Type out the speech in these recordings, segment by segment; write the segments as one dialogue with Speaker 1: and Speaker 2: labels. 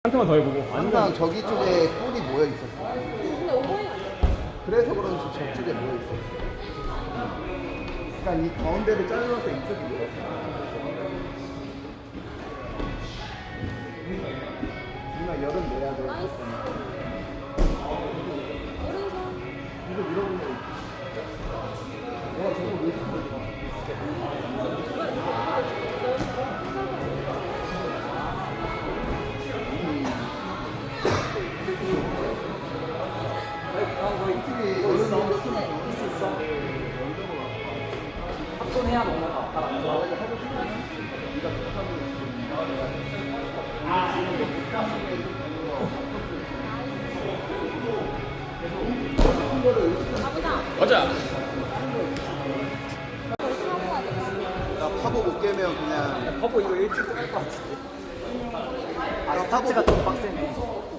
Speaker 1: 한테만 더 해보고.
Speaker 2: 항상 저기 쪽에 뿔이 모여 있었어.
Speaker 3: 근데 오버행
Speaker 2: 그래서 그런지 저쪽에 모여 있어. 그러니까 이 가운데를 잘라서 이쪽이 모였어. 누나 열은 내야 돼.
Speaker 3: 나이스. 오른손.
Speaker 2: 이거 밀어보면 와 저거 왜 이렇게 걸려?
Speaker 4: 합손해야 먹는 거 같다.
Speaker 3: 가보자.
Speaker 1: 가자.
Speaker 3: 벌써 하고 가자.
Speaker 2: 나 파보 못 깨면 그냥
Speaker 4: 버버 이거 일찍 끝날 것 같은데. 아,
Speaker 2: 파보
Speaker 4: 스타트가 좀 빡세네.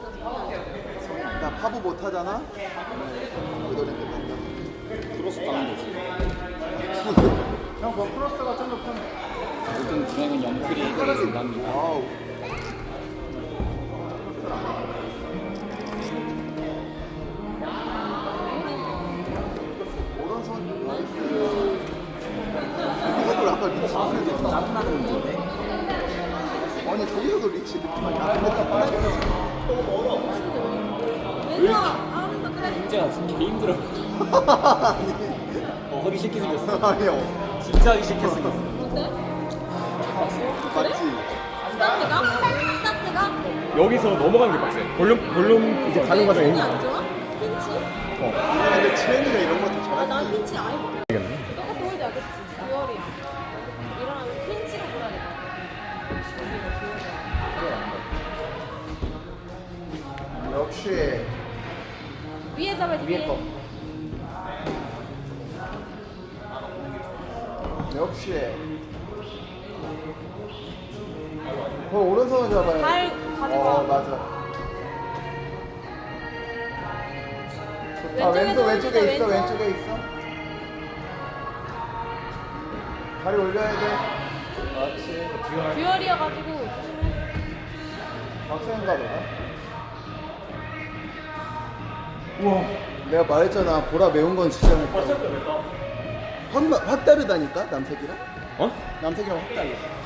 Speaker 2: 나 파보 못 하잖아. 그 노래 끝난다.
Speaker 5: 크로스 가는 거지.
Speaker 2: 형, 그 크로스가 좀 더 편해.
Speaker 5: 모든 진행은 영클이 해결해준답니다.
Speaker 2: 아우. 오른손 나이스. 이거를 아까 리치 느낌
Speaker 4: 짜증나는 문제인데.
Speaker 2: 아니 저기서도 리치 느낌이 나. 근데
Speaker 3: 왼손 하면서 그래.
Speaker 5: 진짜 개 힘들어. 하기 싫게 생겼어.
Speaker 2: 아니요.
Speaker 5: 진짜 하기 싫게 생겼어.
Speaker 3: 어때?
Speaker 2: 맞지?
Speaker 3: 스타트가? 스타트가?
Speaker 1: 여기서 넘어가는 게 빡세. 볼륨 이제 가는 과정이
Speaker 3: 핀치
Speaker 1: 힘들어.
Speaker 3: 안 좋아? 핀치?
Speaker 2: 근데 채은이가 이런 것도
Speaker 3: 아,
Speaker 2: 잘해.
Speaker 3: 난 핀치 아예 못 해.
Speaker 1: 알겠네.
Speaker 3: 똑같은 홀드 알겠지? 듀얼이야. 일어나면 핀치로 불어야 돼.
Speaker 2: 역시
Speaker 3: 위에 잡아야지, 위에.
Speaker 2: 역시. 오른손을 잡아야
Speaker 3: 발 가져가.
Speaker 2: 맞아. 좋다.
Speaker 3: 왼쪽에도
Speaker 2: 왼쪽에 있어.
Speaker 3: 왼쪽.
Speaker 2: 왼쪽에 있어. 다리 올려야 돼. 그렇지.
Speaker 3: 듀얼이어가지고 조심해.
Speaker 2: 박수인가 보다. 우와. 내가 말했잖아. 보라 매운 건 진짜 못 봐. 확 다르다니까 남색이랑.
Speaker 1: 어?
Speaker 2: 남색이랑 확 달라.